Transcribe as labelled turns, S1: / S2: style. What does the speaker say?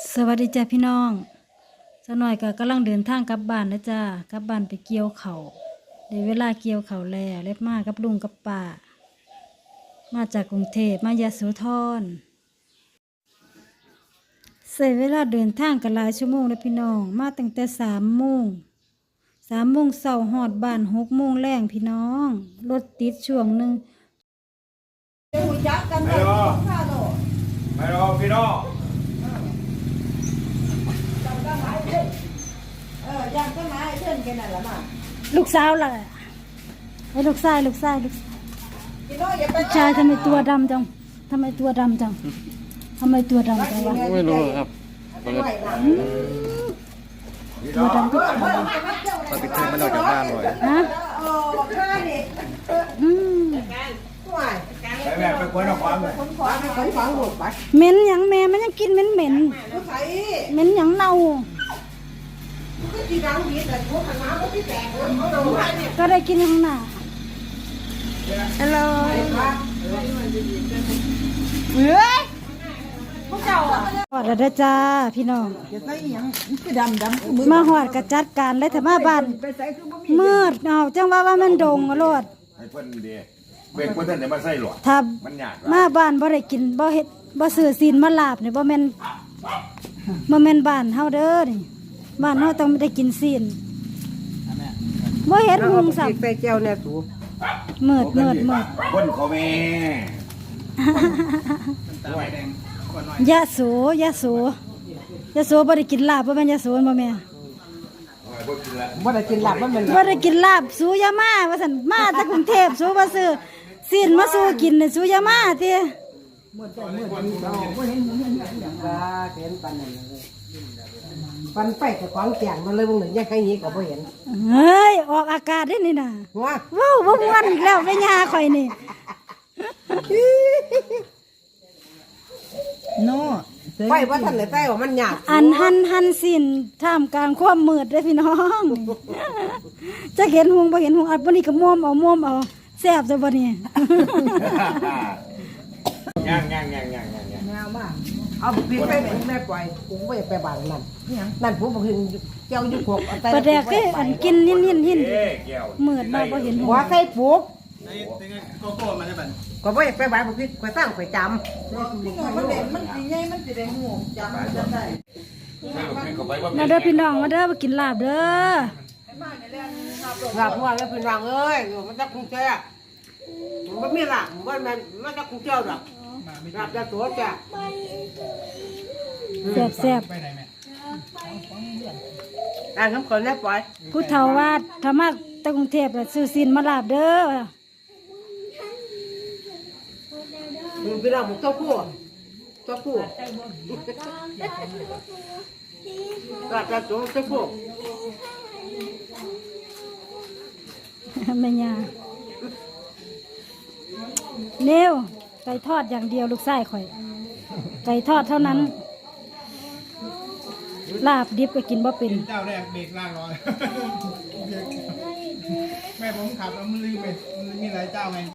S1: สวัสดีจ้าพี่น้องสักหน่อยก็กำลังเดินทางกลับบ้านนะจ้ากลับบ้านไปเกี่ยวเขาได้เวลาเกี่ยวเขาแล้วเล็บมากับลุงกับป้ามาจากกรุงเทพมายโสธรใช้เวลาเดินทางกันหลายชั่วโมงเลยพี่น้องมาตั้งแต่3 โมงเช้าฮอดบ้าน6 โมงแรงพี่น้องรถติดช่วงหนึ่ง
S2: ไม่รอพี่น้อง
S3: ยังก็มาเพื่อนกันนั่นแหละมา
S1: ลูกสาวล่ะไอ้ลูกชาย
S3: พี่น้องอย่าไป
S1: ลูกชายทำไมตัวดำจังทำไมตัวดำจังทำไมตัวดำจังวะ
S4: ไม่รู้ครับ
S1: ตัวดำก็
S4: ปฏิทินมันออกจากบ้านบ่อย
S1: ฮะ
S3: โอ้ข้านี่
S1: อืม
S3: ห่วย
S2: ไปแม่ไปควนเอาความเลย
S3: คนขวางคนขวางหมดไป
S1: เหม็นหยังแม่มันยังกินเหม็นเหม็น
S3: ผู้ใส่
S1: เหม็นหยังเน่า
S3: ก็ตีดังดีแต่พวกข้างน้ำก็ที่แตกเขาโดนเนี่ย
S1: ก็ได้กินข้างหน้าอร่อยเฮ้ยพวกเจ้าหอดแล้วเด้อจ้าพี่น้อง
S3: จะใส่ยังคือดำ
S1: มาหอดกระจัดการเลยถ้ามาบ้าน
S3: ไปใส่คือบ่มี
S1: มืดเอาจังว่ามันดงอะโลด
S2: ให้เพิ่นดีเบรกเพิ่นเดี๋ยวมาใส่หลอด
S1: ถ้า
S2: มันหยาด
S1: มาบ้านบ่ได้กินบ่เฮ็ดบ่ซื้อศีลมาลาบนี่บ่แม่นบ้านเฮาเด้อนี่บ้านเฮาต้องได้กินศีลบ่เฮ็ดหุงสับ
S3: ใส่เจียวเนี่ยสู
S1: มืด
S2: คนเขาแม่
S1: ยะโสยะโสบ่ได้กินลาบบ่แม่นยะโสบ่แม่
S3: บ่ได้กินหลับมันเป็น
S1: บ่ได้กินลาบสูยามาว่าซั่นมาจากกรุงเทพสูบ่ซื้อศีลมาสู่กินนี่สูยามาติ
S3: บ่เห็นหมูเห็นอย่างว่าเห็นปันนั่นเลยปันไปแต่ของแจงมันเลยบ่เหมือนยังใครนี้ก็บ่เห็น
S1: เฮ้ยออกอากาศได้นี่น่ะ
S3: ว่า
S1: ว้าวบ่ม่วนอีกแล้วแม่ย่าข่อยนี่
S3: โน่ไปว่าท่านเลยใส่ว่ามันหยาบ
S1: อันหันสินท่ามกลางความมืดเด้อพี่น้อง จะเห็นหุงบ่เห็นหุงอัดบ่นี่ก็ม่วมเอาแซ่บซะบ่นี่
S2: ย่าง
S3: แนวมากเอาปิดไปแม่ปล่อยกูไม่ไปบางนั่นผมบอกเห็นเจ้าอยู่ขบ
S1: ปลาแดกคืออันกินหิน
S2: เอ๊ะแก้ว
S1: มืดมาบ่เห็นหุง
S3: หัวใส่ปุ๊บ
S4: โกโก้มาได้บัน
S3: ก็ไม่ไปบางผมพี่ไปตั้งไปจำมันเด่นมันดีไงมันจะได้หูจำได้
S1: มาเด้อพี่น้องมาเด้อมากินลาบเด้อ
S3: หลับว่าแล้วเป็นรังเอ้ยมันจะคุ้งเจ้ามันไม่หลับมันจะคุ้งเจ้าหรอกหลับจะตัวจ้ะ
S1: แซ่บ
S3: อ่าน้ำก่อนแล้วปล่อย
S1: ๆผู้เฒ่าว่าถ้ามาตะกรุงเทพน่ะซื้อศีลมาลาบเด้อ
S3: เป็นรังของเจ้าคู่หลับจะตัวเจ้าคู่
S1: แม่ย่าเร็วไก่ทอดอย่างเดียวลูกชายข่อยไก่ทอดเท่านั้น ลาบดิบก็กินบ่เป็น
S4: เจ้าแรกเบรกล่างร้อยแม่ผมขับแล้วมันลืมไปมันมีหลายเจ้าไง